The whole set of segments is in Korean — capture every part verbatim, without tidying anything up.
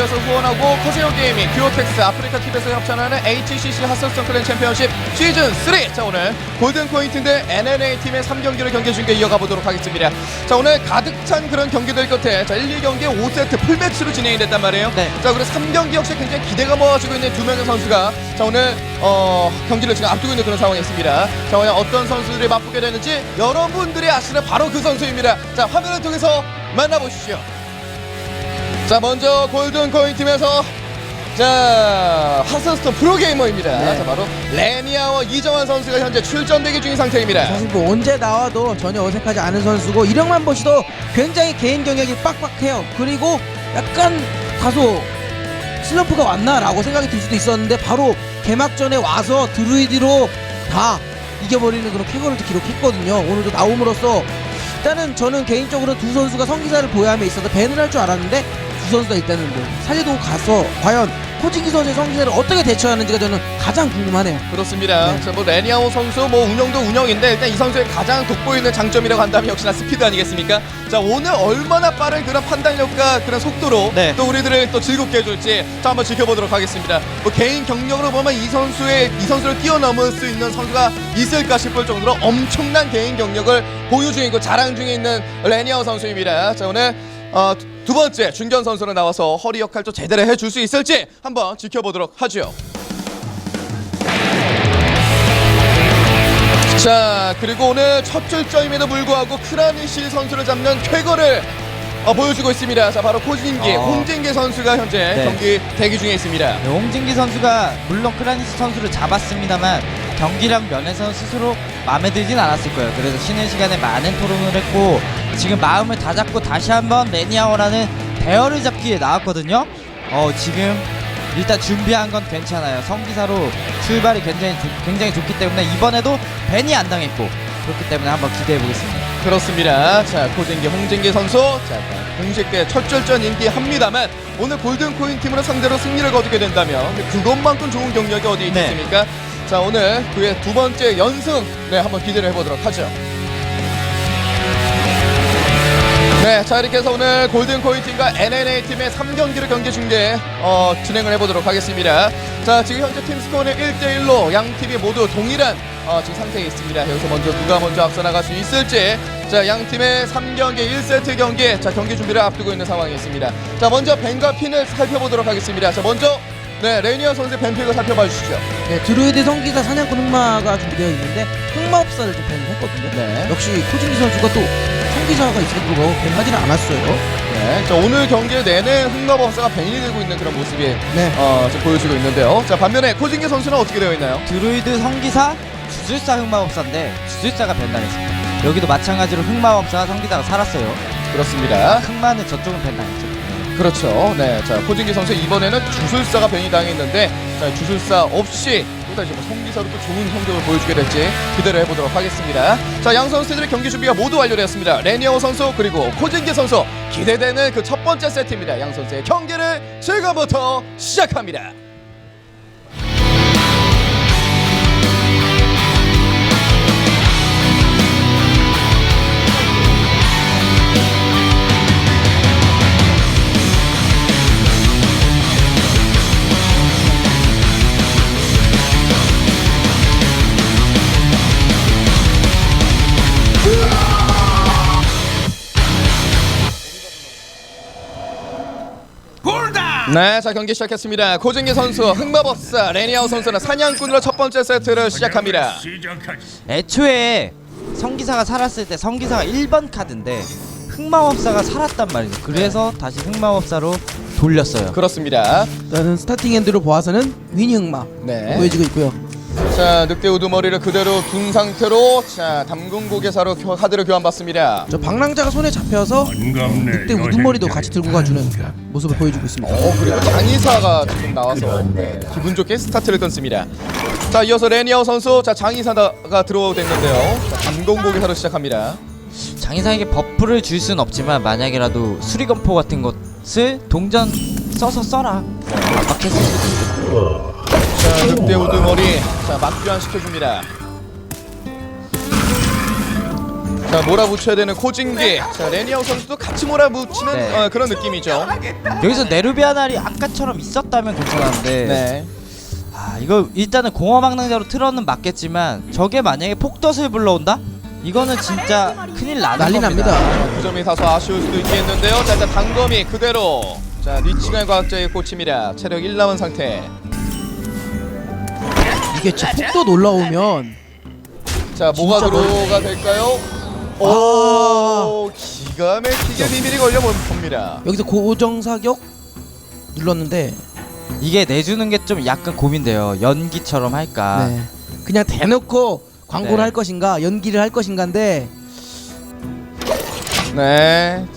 티비에서 후원하고 커세어 게이밍, 듀오텍스, 아프리카 티비에서 협찬하는 에이치씨씨 하스스톤 클랜 챔피언십 시즌 삼. 자, 오늘 골든코인 대 엔엔에이 팀의 삼 경기를 경기 중계 이어가 보도록 하겠습니다. 자, 오늘 가득 찬 그런 경기들 끝에 자, 일, 이 경기에 오 세트 풀매치로 진행이 됐단 말이에요. 네. 자, 그리고 삼 경기 역시 굉장히 기대가 모아지고 있는 두 명의 선수가 자, 오늘 어, 경기를 지금 앞두고 있는 그런 상황이 있습니다. 자, 오늘 어떤 선수들이 맞붙게 되는지 여러분들이 아시는 바로 그 선수입니다. 자, 화면을 통해서 만나보시죠. 자, 먼저 골든코인 팀에서 자, 하스스톤 프로게이머입니다. 네. 자, 바로 레니아와 이정환 선수가 현재 출전 대기 중인 상태입니다. 사실 뭐 언제 나와도 전혀 어색하지 않은 선수고 이력만 보시도 굉장히 개인 경력이 빡빡해요. 그리고 약간 다소 슬럼프가 왔나라고 생각이 들 수도 있었는데 바로 개막전에 와서 드루이드로 다 이겨버리는 그런 쾌거를 기록했거든요. 오늘도 나옴으로써 일단은 저는 개인적으로 두 선수가 성기사를 보유함에 있어서 밴을 할 줄 알았는데 두 선수가 일단은 뭐 살리고 가서 과연 코진기 선수의 성기사를 어떻게 대처하는지가 저는 가장 궁금하네요. 그렇습니다. 네. 자, 뭐 레니아오 선수 뭐 운영도 운영인데 일단 이 선수의 가장 돋보이는 장점이라고 한다면 역시나 스피드 아니겠습니까? 자, 오늘 얼마나 빠른 그런 판단력과 그런 속도로 네. 또 우리들을 또 즐겁게 해줄지 자, 한번 지켜보도록 하겠습니다. 뭐 개인 경력으로 보면 이 선수의 이 선수를 뛰어넘을 수 있는 선수가 있을까 싶을 정도로 엄청난 개인 경력을 보유 중이고 자랑 중에 있는 레니아오 선수입니다. 자, 오늘 어, 두 번째 중견 선수로 나와서 허리 역할도 제대로 해줄 수 있을지 한번 지켜보도록 하죠. 자, 그리고 오늘 첫 출전임에도 불구하고 크라니시 선수를 잡는 쾌거를 어, 보여주고 있습니다. 자, 바로 코진기, 어. 홍진기 선수가 현재 네. 경기 대기 중에 있습니다. 네, 홍진기 선수가 물론 크라니스 선수를 잡았습니다만 경기력 면에서는 스스로 마음에 들진 않았을 거예요. 그래서 쉬는 시간에 많은 토론을 했고 지금 마음을 다잡고 다시 한번 레니아오라는 대열을 잡기에 나왔거든요. 어, 지금 일단 준비한 건 괜찮아요. 성기사로 출발이 굉장히, 좋, 굉장히 좋기 때문에 이번에도 벤이 안 당했고 그렇기 때문에 한번 기대해 보겠습니다. 그렇습니다. 자, 코진기, 홍진기 선수 자, 공식 대 첫 출전 인기합니다만 오늘 골든코인 팀으로 상대로 승리를 거두게 된다면 그것만큼 좋은 경력이 어디 네. 있겠습니까? 자, 오늘 그의 두 번째 연승 네, 한번 기대를 해보도록 하죠. 네, 자, 이렇게 해서 오늘 골든코인 팀과 엔엔에이 팀의 삼 경기를 경기 중계 어, 진행을 해보도록 하겠습니다. 자, 지금 현재 팀 스코어는 일 대 일로 양 팀이 모두 동일한 어, 지금 상태에 있습니다. 여기서 먼저 누가 먼저 앞서 나갈 수 있을지 자, 양 팀의 삼 경기 일 세트 경기 자, 경기 준비를 앞두고 있는 상황이 있습니다. 자, 먼저 벤과 핀을 살펴보도록 하겠습니다. 자, 먼저 네, 레니아 선수의 벤픽을 살펴봐 주시죠. 네, 드루이드 성기사 사냥꾼 흑마가 준비되어 있는데 흑마업사를 좀 밴을 했거든요. 네. 역시 코진기 선수가 또 성기사가 있을 거고 밴하지는 않았어요. 네, 자, 오늘 경기 내내 흑마법사가 벤이 되고 있는 그런 모습이 네. 어, 지금 보여주고 있는데요. 자, 반면에 코진기 선수는 어떻게 되어 있나요? 드루이드 성기사, 주술사 흑마법사인데 주술사가 벤당했습니다. 여기도 마찬가지로 흑마법사가 성기사가 살았어요. 그렇습니다. 흑마는 저쪽은 벤당했죠. 그렇죠. 네, 자, 코진기 선수 이번에는 주술사가 벤이 당했는데 자, 주술사 없이 또다시 뭐 성기사로 또 좋은 성적을 보여주게 될지 기대를 해보도록 하겠습니다. 자, 양 선수들의 경기 준비가 모두 완료되었습니다. 레니아오 선수 그리고 코진기 선수 기대되는 그 첫 번째 세트입니다. 양 선수의 경기를 지금부터 시작합니다. 네, 자, 경기 시작했습니다. 코진기 선수, 흑마법사, 레니아오 선수는 사냥꾼으로 첫 번째 세트를 시작합니다. 애초에 성기사가 살았을 때 성기사가 일 번 카드인데 흑마법사가 살았단 말이죠. 그래서 다시 흑마법사로 돌렸어요. 그렇습니다. 일단은 스타팅 핸드로 보아서는 위니 흑마 네. 보여지고 있고요. 자, 늑대 우두머리를 그대로 둔 상태로 자, 담근 고개사로 교, 카드를 교환받습니다. 저 방랑자가 손에 잡혀서 늑대 우두머리도 같이 들고 가주는 모습을 보여주고 있습니다. 어, 그리고 장의사가 지금 나와서 네, 기분 좋게 스타트를 끊습니다. 자, 이어서 레니아오 선수 자, 장의사가 들어오겠는데요. 자, 담근 고개사로 시작합니다. 장의사에게 버프를 줄 수는 없지만 만약이라도 수리검포 같은 것을 동전 써서 써라. 압박했을 수도 있고. 자, 늑대 우두머리 자, 막 교환시켜줍니다. 자, 자, 몰아붙여야 되는 코징기. 자, 레니아우 선수도 같이 몰아붙이는 네. 어, 그런 느낌이죠. 여기서 네르비아날이 아까처럼 있었다면 괜찮았는데 네. 아 이거 일단은 공허망랑자로 틀어는 맞겠지만 저게 만약에 폭덫을 불러온다? 이거는 진짜 큰일 나는 난리 겁니다. 납니다. 그 점이 다소 아쉬울 수도 있겠는데요. 자, 일단 단검이 그대로. 자, 니치갈 과학자의 꽃입니다. 체력 일 남은 상태. 이게 진짜 폭도 올라오면 자, 뭐가 진짜 들어가 될까요? 아. 오, 기가 막히게 비밀이 걸려 봅니다. 여기서 고정 사격 눌렀는데 이게 내주는 게 좀 약간 고민돼요. 연기처럼 할까? 네. 그냥 대놓고 광고를 네. 할 것인가 연기를 할 것인가인데 네.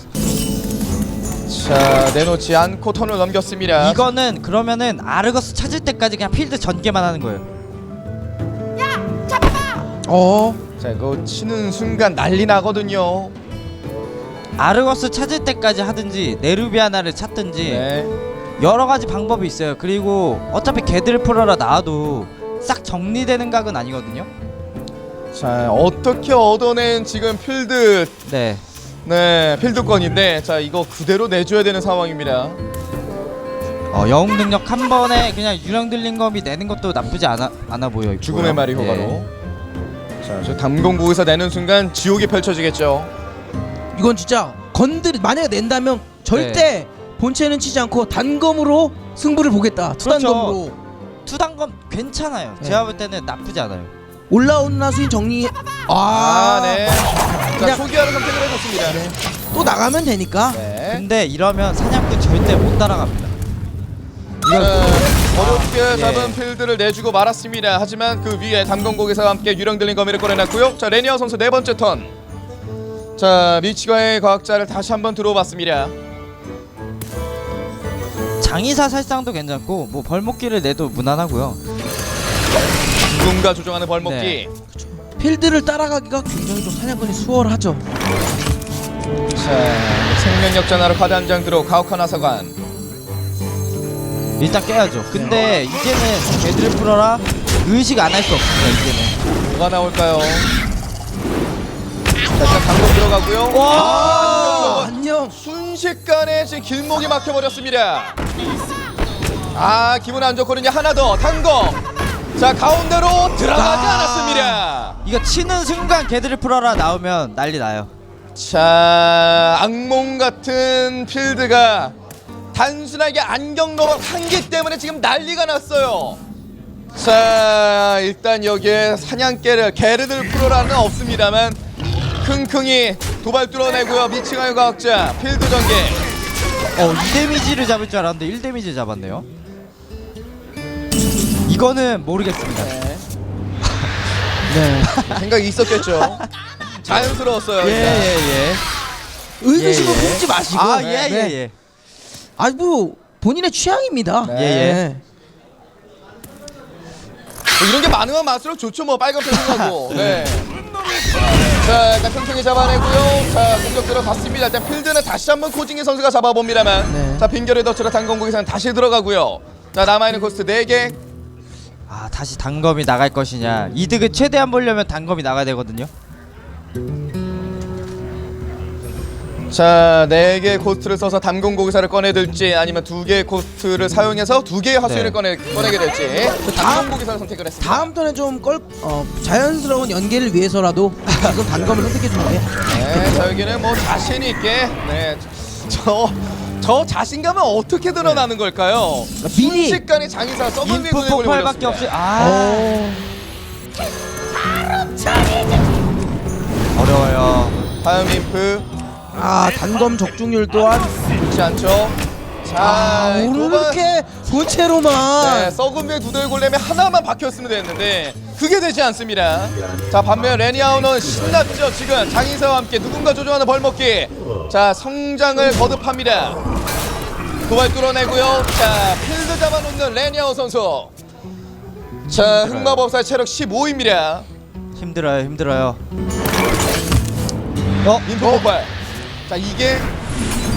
자, 내놓지 않고 턴을 넘겼습니다. 이거는 그러면은 아르거스 찾을 때까지 그냥 필드 전개만 하는 거예요. 어 자, 이거 치는 순간 난리 나거든요. 아르거스 찾을 때까지 하든지 네르비아나를 찾든지 네. 여러 가지 방법이 있어요. 그리고 어차피 개들을 풀어라 나와도 싹 정리되는 각은 아니거든요. 자, 어떻게 얻어낸 지금 필드 네. 네, 필드권인데 자, 이거 그대로 내줘야 되는 상황입니다. 어, 영웅 능력 한 번에 그냥 유령 들린 검이 내는 것도 나쁘지 않아 않아 보여. 있고요. 죽음의 말이 네. 효과로. 자, 저 담공국에서 내는 순간 지옥이 펼쳐지겠죠. 이건 진짜 건드리 만약에 낸다면 절대 본체는 치지 않고 단검으로 승부를 보겠다. 투단검으로 투단검 괜찮아요. 네. 제가 볼 때는 나쁘지 않아요. 올라오는 나수인 정리. 아, 아, 네. 자, 그냥- 초기화를 선택을 해줬습니다. 네. 또 나가면 되니까. 네. 근데 이러면 사냥꾼 절대 못 따라갑니다. 자, 어렵게 예. 잡은 필드를 내주고 말았습니다. 하지만 그 위에 담공국에서 함께 유령 들린 거미를 꺼내놨고요. 자, 레니아 선수 네 번째 턴. 자, 미치과의 과학자를 다시 한번 들어봤습니다. 장의사 살상도 괜찮고 뭐 벌목기를 내도 무난하고요. 누군가 조종하는 벌목기. 네. 필드를 따라가기가 굉장히 좀 사냥꾼이 수월하죠. 자, 생명력 전화로 카드 한 장 들어 가혹한 하사관. 일단 깨야죠. 근데 이제는 개들을 풀어라 의식 안 할 수 없습니다. 이제는. 뭐가 나올까요? 자, 일단 당근 들어가고요. 와! 아, 안녕. 순식간에 지금 길목이 막혀버렸습니다. 아, 기분 안 좋거든요. 하나 더 단검. 자, 가운데로 들어가지 아. 않았습니다. 이거 치는 순간 개들을 풀어라 나오면 난리 나요. 자, 악몽 같은 필드가 단순하게 안경 로봇 한 개 때문에 지금 난리가 났어요. 자, 일단 여기에 사냥개를 게르들 프로라는 없습니다만 킁킁이 도발 뚫어내고요. 미칭하여 과학자 필드 전개. 어, 이 데미지를 잡을 줄 알았는데 일 데미지 잡았네요. 이거는 모르겠습니다. 네. 네. 생각이 있었겠죠. 자연스러웠어요. 예, 일단. 예, 예. 의구심을 예, 예. 품지 마시고. 아, 네. 예, 예, 네. 예. 아니 뭐 본인의 취향입니다. 네. 예, 예. 뭐 이런 게 많으면 많을수록 좋죠. 뭐 빨간 표정하고. 네. 자, 일단 틈틈이 잡아내고요. 자, 공격 들어갔습니다. 일단 필드는 다시 한번 코징이 선수가 잡아봅니다만. 네. 자, 빈결의 덫으로 단공국에서는 다시 들어가고요. 자, 남아있는 코스트 네 개. 아, 다시 단검이 나갈 것이냐. 이득을 최대한 보려면 단검이 나가야 되거든요. 자, 네 개의 코스트를 써서 담공고기사를 꺼내들지 아니면 두 개의 코스트를 사용해서 두 개의 화수위를 네. 꺼내, 꺼내게 될지 담공고기사를 선택을 했습니다. 다음 턴에 좀 껄, 어, 자연스러운 연계를 위해서라도 지금 단검을 선택해주는 게. 네, 자, 여기는 뭐 자신 있게 네, 저, 저 자신감은 어떻게 드러나는 걸까요? 미리. 순식간에 장의사 서브웨이 인프 군에 폭발밖에 없이 아 어, 어려워요. 다음 인프 아 단검 적중률 또한. 좋지 않죠? 자, 아 오늘 이거만- 이렇게 본체로만. 네, 썩은 배 두 돌골렘에 하나만 박혔으면 됐는데 그게 되지 않습니다. 자, 반면 레니아우는 신났죠. 지금 장인사와 함께 누군가 조종하는 벌먹기. 자, 성장을 거듭합니다. 도발 뚫어내고요. 자, 필드 잡아놓는 레니아우 선수. 자, 흑마법사 체력 십오입니다. 힘들어요, 힘들어요. 어, 인프 폭발. 자, 이게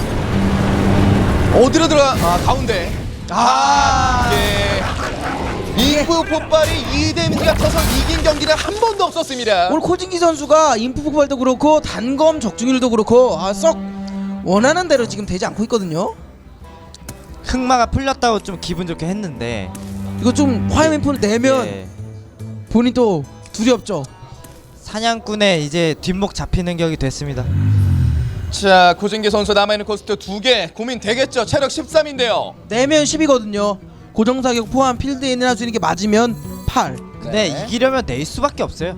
어디로 들어가? 아, 가운데. 아, 이게 인구 폭발이 이 데미지가 쳐서 이긴 경기는 한 번도 없었습니다. 오늘 코진기 선수가 인프 폭발도 그렇고 단검 적중률도 그렇고 아, 썩 원하는 대로 지금 되지 않고 있거든요. 흑마가 풀렸다고 좀 기분 좋게 했는데 이거 좀 화염 인프를 내면 예, 본인 또 두렵죠. 사냥꾼의 이제 뒷목 잡히는 격이 됐습니다. 자, 고진기 선수 남아있는 코스트 두 개 고민 되겠죠. 체력 십삼인데요. 내면 십이거든요. 고정사격 포함 필드인을 할 수 있는 게 맞으면 팔. 근데 네. 이기려면 낼 수밖에 없어요.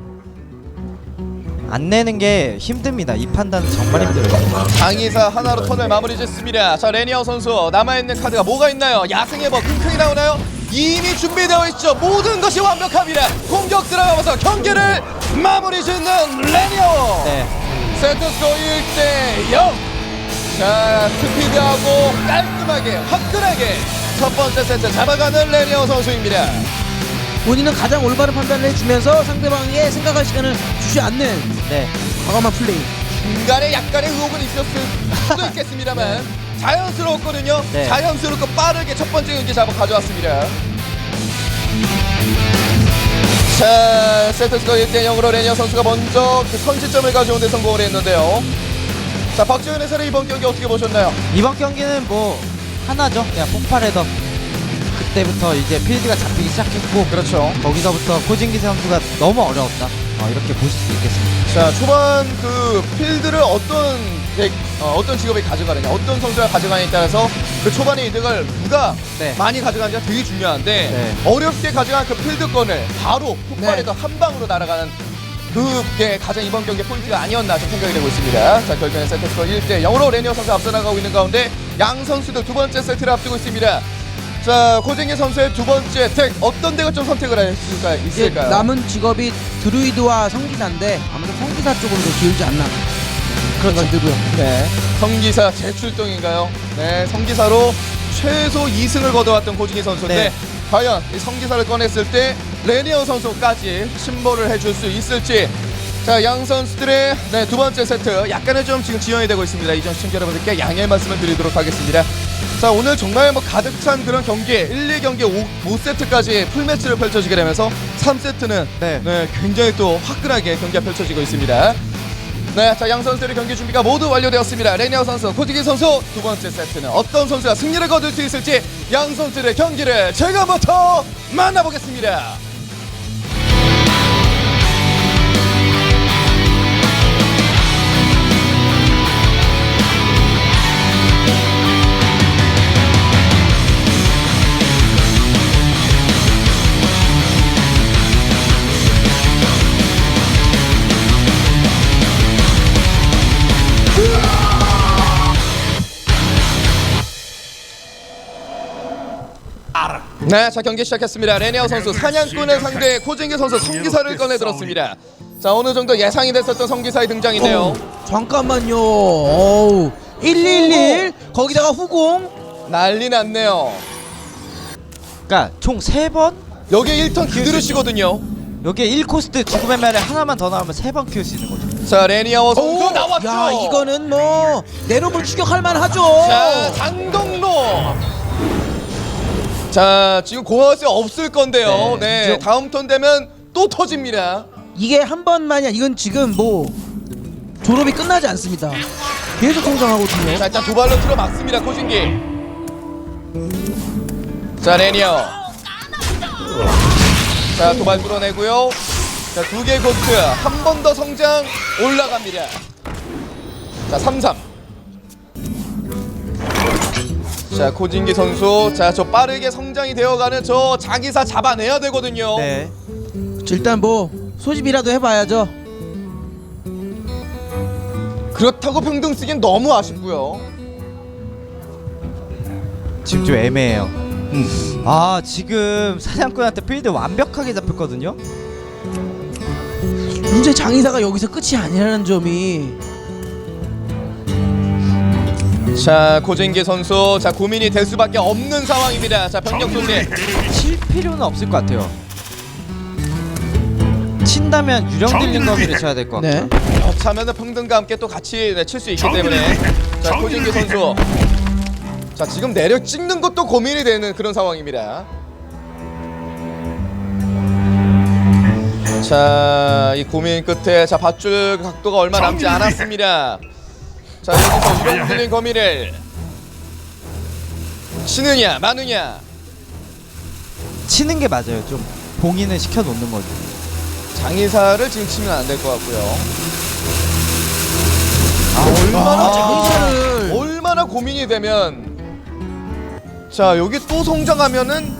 안 내는 게 힘듭니다. 이 판단은 정말 힘들어요. 장의사 하나로 턴을 마무리 짓습니다. 자, 레니어 선수 남아있는 카드가 뭐가 있나요? 야생의 뭐 킁킁이 나오나요? 이미 준비되어 있죠. 모든 것이 완벽합니다. 공격 들어가면서 경기를 마무리 짓는 레니어. 네. 세트스코 일 대 영. 자, 스피드하고 깔끔하게 화끈하게 첫 번째 세트 잡아가는 레니어 선수입니다. 본인은 가장 올바른 판단을 해주면서 상대방에게 생각할 시간을 주지 않는 네. 과감한 플레이. 중간에 약간의 의혹은 있었을 수도 있겠습니다만 자연스러웠거든요. 네. 자연스럽고 빠르게 첫 번째 경기 잡아 가져왔습니다. 자, 세트스코 일 대 영으로 레니어 선수가 먼저 그 선취점을 가져온 데 성공을 했는데요. 자, 박지현 해설의 이번 경기 어떻게 보셨나요? 이번 경기는 뭐 하나죠. 그냥 폭발해서 그때부터 이제 필드가 잡히기 시작했고 그렇죠. 거기서부터 코진기 선수가 너무 어려웠다. 어, 이렇게 보실 수 있겠습니다. 자, 초반 그 필드를 어떤 덱, 어, 어떤 직업이 가져가느냐, 어떤 선수가 가져가느냐에 따라서 그 초반의 이득을 누가 네. 많이 가져가느냐가 되게 중요한데 네. 어렵게 가져간 그 필드권을 바로 폭발해서 한 방으로 날아가는 그게 가장 이번 경기의 포인트가 아니었나 좀 생각이 되고 있습니다. 자, 결국엔 세트스코어 일 대 영으로 레니어 선수 앞서 나가고 있는 가운데 양 선수들 두 번째 세트를 앞두고 있습니다. 자, 고진기 선수의 두 번째 덱 어떤 덱을 좀 선택을 했을까 이제 있을까요? 남은 직업이 드루이드와 성기사인데 아무래도 성기사 쪽으로 더 기울지 않나 그런 생각이 들고요. 네, 성기사 재출동인가요? 네, 성기사로 최소 이 승을 거둬왔던 고진기 선수인데 네. 과연 이 성기사를 꺼냈을 때 레니어 선수까지 침몰을 해줄 수 있을지. 자, 양 선수들의 네, 두 번째 세트 약간의 좀 지금 지연이 되고 있습니다. 이전 시청자 여러분들께 양해의 말씀을 드리도록 하겠습니다. 자, 오늘 정말 뭐 가득 찬 그런 경기 일, 이 경기 오 세트까지 풀매치를 펼쳐지게 되면서 삼 세트는 네. 네, 굉장히 또 화끈하게 경기가 펼쳐지고 있습니다. 네, 자, 양 선수들의 경기 준비가 모두 완료되었습니다. 레니어 선수, 코지기 선수 두 번째 세트는 어떤 선수가 승리를 거둘 수 있을지 양 선수들의 경기를 지금부터 만나보겠습니다. 네, 자, 경기 시작했습니다. 레니어 선수 사냥꾼의 상대 코진기 선수 성기사를 꺼내들었습니다. 자, 어느 정도 예상이 됐었던 성기사의 등장인데요. 어, 잠깐만요. 어우, 일일일 거기다가 후공. 난리 났네요. 그러니까 총 세 번? 여기에 일 턴 그대로 쉬거든요. 여기에 일 코스트 죽음의 말에 하나만 더 나오면 세 번 키울 수 있는 거죠. 자, 레니어 선수 오, 나왔죠. 야, 이거는 뭐 내로물 추격할 만하죠. 자, 장동로. 자, 지금 고화스 없을 건데요. 네. 네, 다음 턴 되면 또 터집니다. 이게 한 번만이야. 이건 지금 뭐 졸업이 끝나지 않습니다. 계속 성장하거든요. 자, 일단 두 발로 틀어 막습니다. 코진기. 자, 레니어. 자, 두 발 뚫어내고요. 자, 두 개의 코스트 한 번 더 성장 올라갑니다. 자, 삼 삼. 자, 코진기 선수. 자, 저 빠르게 성장이 되어가는 저 자기사 잡아내야 되거든요. 네. 일단 뭐 소집이라도 해봐야죠. 그렇다고 평등 쓰기엔 너무 아쉽고요. 지금 좀 애매해요. 음. 아, 지금 사냥꾼한테 필드 완벽하게 잡혔거든요. 문제 장의사가 여기서 끝이 아니라는 점이. 자, 코진기 선수. 자, 고민이 될 수밖에 없는 상황입니다. 자, 병력 소지. 칠 필요는 없을 것 같아요. 친다면 유령 들린 거미를 쳐야 될 것 같아요. 네. 겹차면은 평등과 함께 또 같이 네, 칠 수 있기 때문에. 자, 코진기 선수. 자, 지금 내력 찍는 것도 고민이 되는 그런 상황입니다. 자, 이 고민 끝에 자 밧줄 각도가 얼마 남지 않았습니다. 자, 여기서 이런 들린 거미를 치느냐 마느냐. 치는 게 맞아요. 좀 봉인을 시켜 놓는 거죠. 장의사를 지금 치면 안 될 것 같고요. 아, 얼마나 아, 장의사를 장의사를. 얼마나 고민이 되면 자 여기 또 성장하면은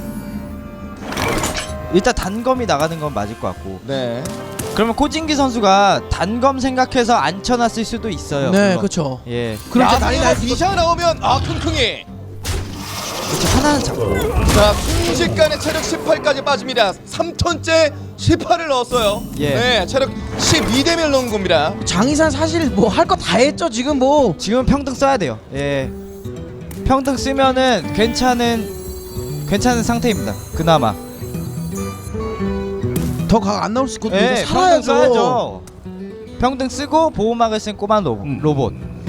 일단 단검이 나가는 건 맞을 것 같고. 네. 그러면 코진기 선수가 단검 생각해서 안 쳐놨을 수도 있어요. 네, 물론. 그렇죠. 예. 그럼 이제 나중에 난리 날 수도. 비샤 나오면 아 킁킁이. 그렇죠. 하나는 잡고. 자 순식간에 체력 십팔까지 빠집니다. 삼 턴째 십팔을 넣었어요. 예. 네, 체력 십이 대면 넣은 겁니다. 장의사 사실 뭐 할 거 다 했죠. 지금 뭐 지금 평등 써야 돼요. 예. 평등 쓰면은 괜찮은 괜찮은 상태입니다. 그나마. 더 각 안 나올 수 있거든요. 예. 이제 평등 살아야죠. 써야죠. 평등 쓰고 보호막을 쓴 꼬마 로, 로봇.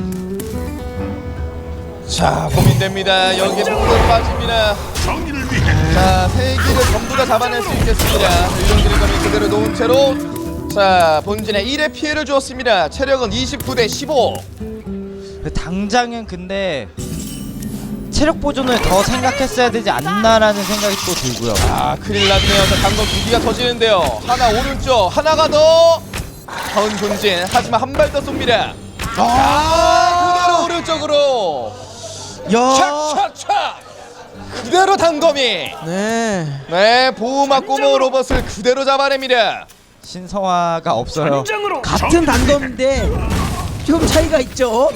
자 고민됩니다. 여기에 폭등 빠집니다. 자 세 기를 전부 다 잡아낼 수 있겠습니다. 유령 드래곤이 그대로 놓은 채로 자 본진에 일의 피해를 주었습니다. 체력은 이십구 대 십오. 당장은 근데 체력 보존을 더 생각했어야 되지 않나라는 생각이 또 들고요. 아 큰일 났네요. 자 단검 두 기가 터지는데요. 하나 오른쪽 하나가 더 다운 본진. 하지만 한 발 더 쏩니다. 아 그대로 오른쪽으로 야, 착착착 그대로 단검이 네. 네 보호막 꼬모 로봇을 그대로 잡아냅니다. 신성화가 없어요. 같은 단검인데 좀 차이가 있죠.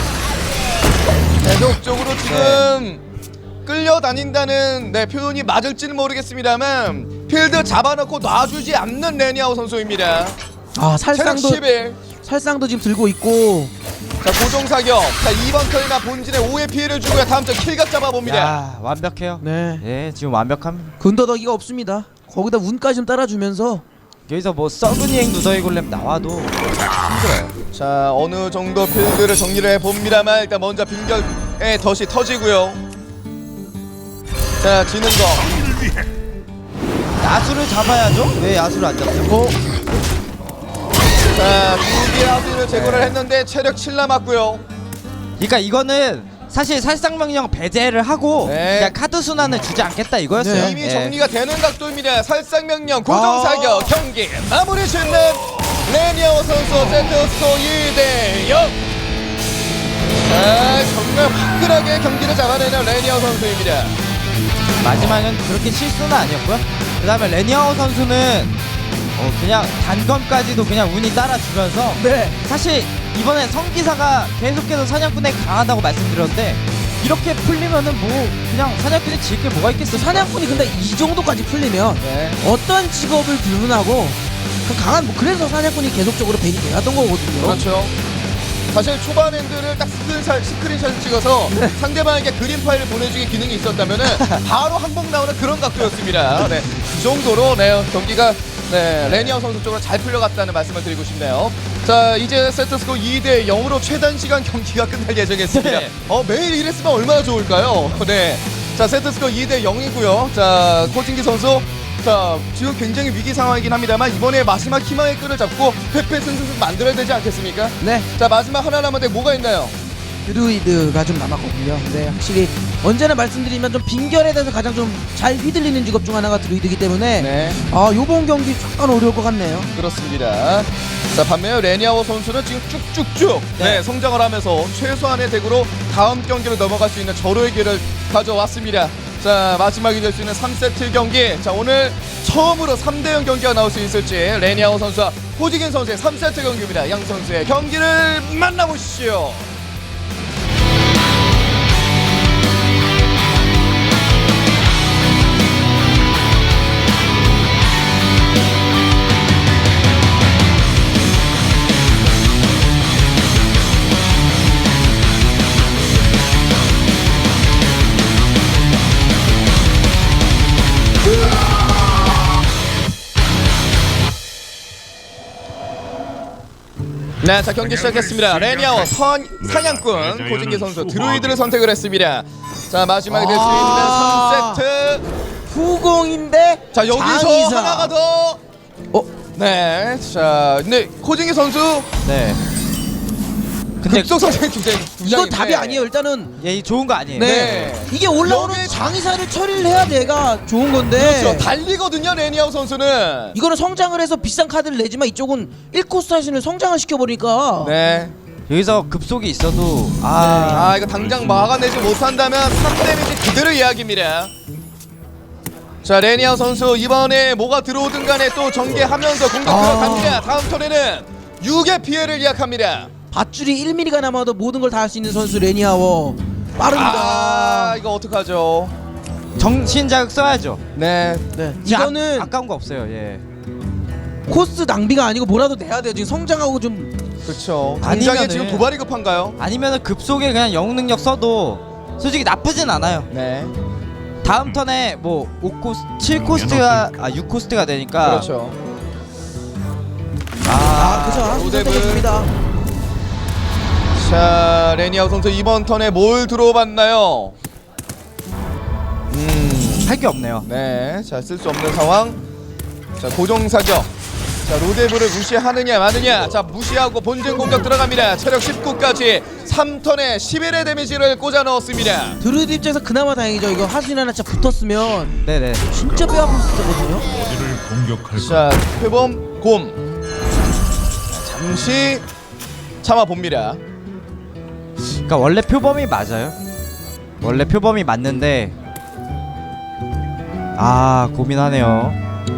계속적으로 지금 끌려다닌다는 네, 표현이 맞을지는 모르겠습니다만 필드 잡아놓고 놔주지 않는 레니아우 선수입니다. 아 체력 살상도 십일. 살상도 지금 들고 있고. 자 고정사격. 자 이번 턴이나 본진에 오의 피해를 주고요. 다음 턴 킬각 잡아봅니다. 야, 완벽해요. 네. 예, 지금 완벽합니다. 근더더기가 없습니다. 거기다 운까지 좀 따라주면서. 여기서 뭐 썩은 이행 누더기 골렘 나와도 힘들어요. 자 어느 정도 필드를 정리를 해봅니다만 일단 먼저 빙결의 덫이 터지고요. 자 지는 거. 야수를 잡아야죠. 왜 야수를 안 잡죠? 어? 자 두개 하수를 제거를 했는데 체력 칠 남았고요. 그러니까 이거는 사실 살상명령 배제를 하고 네. 그냥 카드 순환을 주지 않겠다 이거였어요. 네. 이미 예. 정리가 되는 각도입니다. 살상명령 고정사격 아. 경기 마무리 짓는 레니아오 선수 세트스코 이 대 영. 자 정말 화끈하게 경기를 잡아내는 레니아오 선수입니다. 마지막은 그렇게 실수는 아니었고요. 그 다음에 레니아오 선수는 어 그냥 단검까지도 그냥 운이 따라주면서 네. 사실 이번에 성기사가 계속해서 사냥꾼에 강하다고 말씀드렸는데 이렇게 풀리면은 뭐 그냥 사냥꾼이 지을 게 뭐가 있겠어. 사냥꾼이 근데 이 정도까지 풀리면 네. 어떤 직업을 불문하고 그 강한 뭐 그래서 사냥꾼이 계속적으로 벤이 돼왔던 거거든요. 그렇죠. 사실 초반 엔드를 딱 스크린샷, 스크린샷을 찍어서 네. 상대방에게 그림 파일을 보내주기 기능이 있었다면은 바로 한복 나오는 그런 각도였습니다. 네, 그 정도로 네, 경기가 네, 레니아우 선수 쪽으로 잘 풀려갔다는 말씀을 드리고 싶네요. 자, 이제 세트스코 이 대 영으로 최단 시간 경기가 끝날 예정이었습니다. 네. 어, 매일 이랬으면 얼마나 좋을까요? 네. 자, 세트스코 이 대 영이고요. 자, 코진기 선수. 자, 지금 굉장히 위기 상황이긴 합니다만 이번에 마지막 희망의 끈을 잡고 패패승승 만들어야 되지 않겠습니까? 네. 자, 마지막 하나 남았는데 뭐가 있나요? 드루이드가 좀 남았거든요. 근데 확실히 언제나 말씀드리면 좀 빙결에 대해서 가장 좀 잘 휘둘리는 직업 중 하나가 드루이드이기 때문에 네, 아 요번 경기 약간 어려울 것 같네요. 그렇습니다. 자, 반면에 레니아워 선수는 지금 쭉쭉쭉 네. 네. 성장을 하면서 최소한의 덱으로 다음 경기로 넘어갈 수 있는 절호의 기회를 가져왔습니다. 자, 마지막이 될 수 있는 삼 세트 경기. 자, 오늘 처음으로 삼 대 영 경기가 나올 수 있을지 레니아워 선수와 호지긴 선수의 삼 세트 경기입니다. 양 선수의 경기를 만나보시죠. 네, 자 경기 시작했습니다. 레니아워 선 사냥꾼 고진기 선수 드루이드를 선택을 했습니다. 자 마지막에 될 수 아. 있는 삼 세트. 후공인데 자 여기서 장의사. 하나가 더. 어? 네, 자, 근데 코징이 선수 네. 근데 급속 성장이 굉장히 이건 부장인데. 답이 아니에요. 일단은 예, 이 좋은 거 아니에요. 네, 네. 이게 올라오는 여기- 장의사를 처리를 해야 내가 좋은 건데 그렇죠. 달리거든요, 레니아우 선수는. 이거는 성장을 해서 비싼 카드를 내지만 이쪽은 일 코스 하시는 성장을 시켜버리니까 네. 여기서 급속이 있어도 아, 아, 이거 당장 막아내지 못한다면 삼 데미지 그대로 이야기입니다. 자, 레니아우 선수 이번에 뭐가 들어오든 간에 또 전개하면서 공격 아. 들어갑니다. 다음 턴에는 육의 피해를 예약합니다. 밧줄이 일 밀리미터가 남아도 모든 걸 다 할 수 있는 선수 레니아워 빠릅니다. 아, 이거 어떡하죠? 정신 자극 써야죠. 네. 네. 진짜 이거는 아, 아까운 거 없어요. 예. 코스 낭비가 아니고 뭐라도 내야 돼요. 지금 성장하고 좀 그렇죠. 당장에 아니면은- 지금 도발이 급한가요? 아니면은 급속에 그냥 영웅 능력 써도 솔직히 나쁘진 않아요. 네. 다음 턴에 뭐 오 코스, 칠 코스트가 아 육 코스트가 되니까 그렇죠. 아, 아, 그죠. 아, 로데브. 선택했습니다. 자, 레니아우 선수 이번 턴에 뭘 들어봤나요? 음. 할 게 없네요. 네. 자, 쓸 수 없는 상황. 자, 고정 사격. 자, 로데브를 무시하느냐 마느냐. 자, 무시하고 본진 공격 들어갑니다. 체력 십구까지 삼 턴에 십일의 데미지를 꽂아 넣었습니다. 드루이드 입장에서 그나마 다행이죠. 이거 하수인 하나 진짜 붙었으면 네네. 진짜 뼈 아플 수 있거든요. 어디를 공격할 자, 표범 곰. 자, 잠시 참아 봅니다. 그러니까 원래 표범이 맞아요. 원래 표범이 맞는데 아 고민하네요.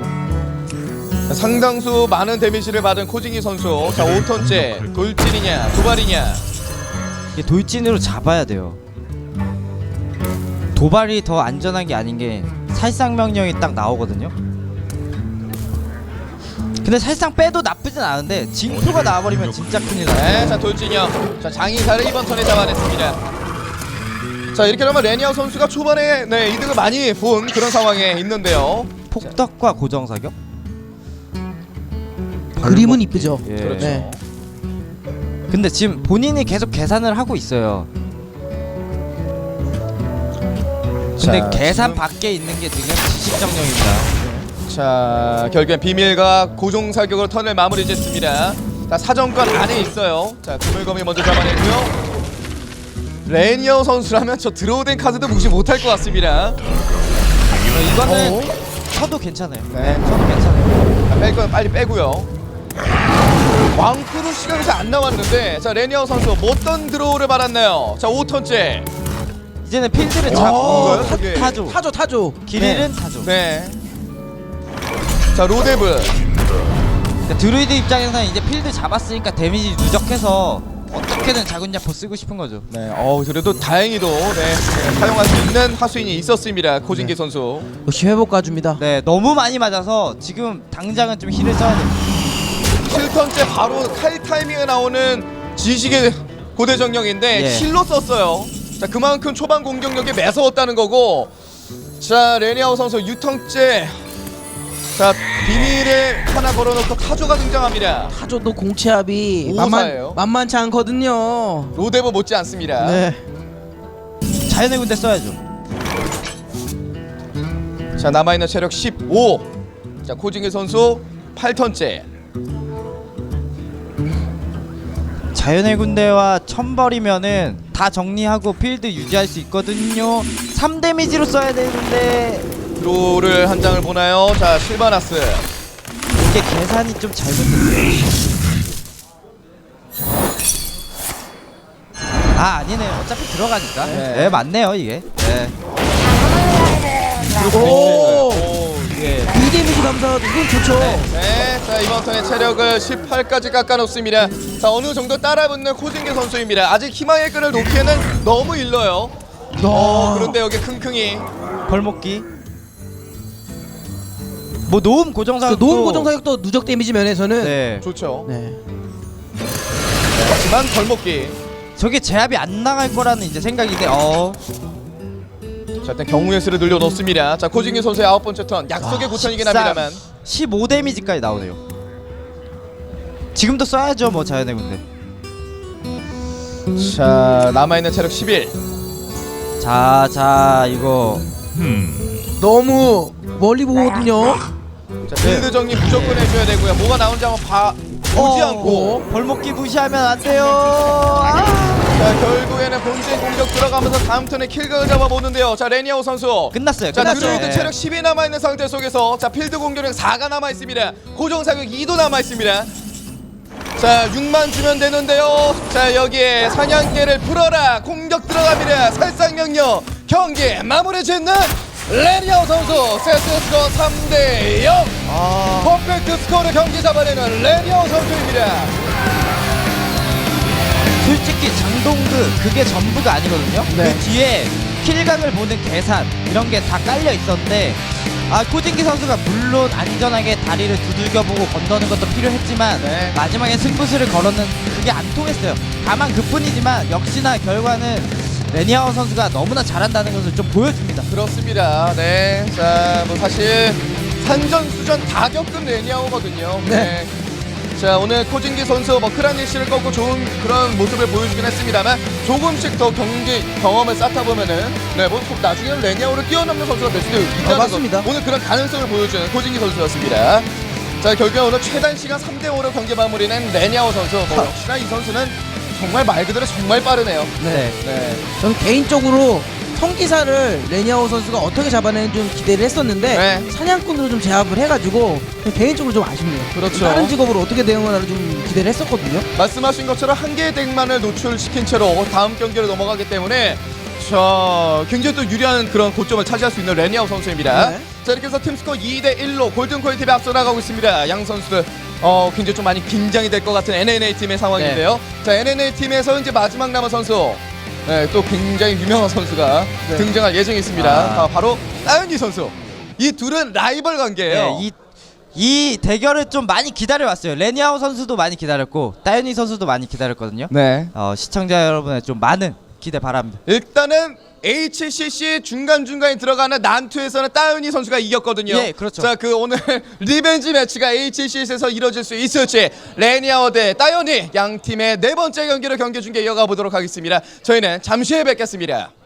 상당수 많은 데미지를 받은 코징이 선수. 자, 오 턴째 돌진이냐 도발이냐. 이게 돌진으로 잡아야 돼요. 도발이 더 안전한 게 아닌 게 살상 명령이 딱 나오거든요. 근데 살상 빼도 나쁘진 않은데 징표가 나와버리면 진짜 큰일 나요. 네, 자 돌진이요. 자, 장의사를 이번 턴에 잡아냈습니다. 자, 이렇게 되면 레니아우 선수가 초반에 네 이득을 많이 본 그런 상황에 있는데요. 폭덕과 고정 사격? 그림은 이쁘죠. 예. 그렇죠. 네. 근데 지금 본인이 계속 계산을 하고 있어요. 근데 자, 계산 지금- 밖에 있는 게 지금 지식정령입니다. 자, 결국엔 비밀과 고정 사격으로 턴을 마무리 짓습니다. 자, 사정권 안에 있어요. 자, 드물검이 먼저 잡아냈고요. 레니아우 선수라면 저 드로우된 카드도 무시 못할 것 같습니다. 이거는 어? 쳐도 괜찮아요. 네. 쳐도 괜찮아요. 자, 뺄 건 빨리 빼고요. 왕크루 시간이 잘 안 나왔는데, 자, 레니아우 선수 뭐 어떤 드로우를 받았나요? 자, 오 턴째. 이제는 필드를 야, 잡고 뭔가요, 저게? 타죠. 타죠, 타죠. 길일은 타죠. 네. 자, 로데브. 그러니까 드루이드 입장에서는 이제 필드 잡았으니까 데미지 누적해서 어떻게든 작은 야포 쓰고 싶은 거죠. 네, 어 그래도 다행히도 네, 네, 사용할 수 있는 하수인이 있었습니다. 코진기 선수. 역시 회복 가줍니다. 네, 너무 많이 맞아서 지금 당장은 좀 힐을 써야 됩니다. 칠 턴째 바로 칼 타이밍에 나오는 지식의 고대정령인데 예. 힐로 썼어요. 자, 그만큼 초반 공격력이 매서웠다는 거고. 자, 레니아우 선수 육 턴째. 자, 비밀을 하나 걸어놓고 타조가 등장합니다. 타조도 공채압이 오사예요. 만만, 만만치 않거든요. 로데브 못지 않습니다. 네. 자연의 군대 써야죠. 자, 남아있는 체력 십오. 자, 코징기 선수 팔 턴째. 자연의 군대와 천벌이면은 다 정리하고 필드 유지할 수 있거든요. 삼 데미지로 써야 되는데 드로우를 한 장을 보나요? 자, 실바나스. 이게 계산이 좀 잘못됐어요. 아 아니네요. 어차피 들어가니까. 네. 네, 맞네요 이게. 네. 오! 오, 예. 이 데미지 감사 이건 좋죠. 네, 자, 이번 턴에 체력을 십팔까지 깎아놓습니다. 자, 어느 정도 따라붙는 코징기 선수입니다. 아직 희망의 끈을 놓기에는 너무 일러요. 어, 그런데 여기 킁킁이. 벌목기. 뭐 노음 고정사. 그 노은 고정 사격도 누적 데미지 면에서는 네. 좋죠. 네. 하지만 벌목기. 저게 제압이 안 나갈 거라는 이제 생각인데 어. 자, 일단 경우의 수를 늘려놓습니다. 자, 코징기 선수의 아홉 번째 턴. 약속의 아, 고턴이긴 십삼. 합니다만. 십오 데미지까지 나오네요. 지금도 써야죠 뭐 자연의 군대. 자, 남아있는 체력 십일. 자, 자 이거 음, 너무 멀리 보거든요. 자, 빌드 정리 무조건 해줘야 되고요. 뭐가 나온지 한번 봐 보지 어, 않고. 벌목기 무시하면 안 돼요. 아! 자, 결국에는 본진 공격 들어가면서 다음 턴에 킬각을 잡아보는데요. 자, 레니아오 선수. 끝났어요. 자, 끝났죠. 드루이드 네. 체력 십이 남아있는 상태 속에서 자, 필드 공격력 사가 남아있습니다. 고정 사격 이도 남아있습니다. 자, 육만 주면 되는데요. 자, 여기에 사냥개를 풀어라. 공격 들어갑니다. 살상명령 경기 마무리 짓는 레니아오 선수. 세트 스코어 삼 대 영. 아, 퍼펙트 스코어로 경기 잡아내는 레니아오 선수입니다. 솔직히 장동그 그게 전부가 아니거든요. 네. 그 뒤에 킬각을 보는 계산 이런 게 다 깔려 있었는데 아 코진기 선수가 물론 안전하게 다리를 두들겨보고 건너는 것도 필요했지만 네. 마지막에 승부수를 걸었는 그게 안 통했어요. 다만 그뿐이지만 역시나 결과는 레니아오 선수가 너무나 잘한다는 것을 좀 보여줍니다. 그렇습니다. 네. 자, 뭐 사실 산전수전 다 겪은 레니아오거든요. 네. 자, 오늘 코진기 선수 뭐 크라니시를 꺾고 좋은 그런 모습을 보여주긴 했습니다만 조금씩 더 경기 경험을 쌓다 보면은 네, 뭐 나중에는 레니아오를 뛰어넘는 선수가 될 수도 있다는 어, 맞습니다. 것. 오늘 그런 가능성을 보여주는 코진기 선수였습니다. 자, 결국에 오늘 최단 시간 삼 대 오로 경기 마무리는 레니아오 선수. 뭐 역시나 이 선수는 정말 말 그대로 정말 빠르네요. 네. 네. 저는 개인적으로 성기사를 레니아오 선수가 어떻게 잡아내는지 좀 기대를 했었는데 네. 사냥꾼으로 좀 제압을 해가지고 개인적으로 좀 아쉽네요. 그렇죠. 다른 직업으로 어떻게 대응하나 좀 기대를 했었거든요. 말씀하신 것처럼 한 개의 덱만을 노출시킨 채로 다음 경기로 넘어가기 때문에 자, 굉장히 또 유리한 그런 고점을 차지할 수 있는 레니아오 선수입니다. 네. 자, 이렇게 해서 팀스코어 이 대 일로 골든코인 팀이 앞서 나가고 있습니다. 양 선수들 어, 굉장히 좀 많이 긴장이 될 것 같은 엔엔에이 팀의 상황인데요. 자, 엔엔에이 팀에서 이제 마지막 남은 선수 네, 또 굉장히 유명한 선수가 네. 등장할 예정이 있습니다. 아. 아, 바로 따윤이 선수. 이 둘은 라이벌 관계예요. 네, 이, 이 대결을 좀 많이 기다려왔어요. 레니아오 선수도 많이 기다렸고 따윤이 선수도 많이 기다렸거든요. 네. 어, 시청자 여러분의 좀 많은 기대 바랍니다. 일단은 에이치씨씨 중간중간에 들어가는 난투에서는 따윤이 선수가 이겼거든요. 예, 그렇죠. 자, 그 오늘 리벤지 매치가 에이치씨씨에서 이뤄질 수 있을지 레니아오 대 따윤이 양 팀의 네 번째 경기로 경기 중계 이어가 보도록 하겠습니다. 저희는 잠시 후에 뵙겠습니다.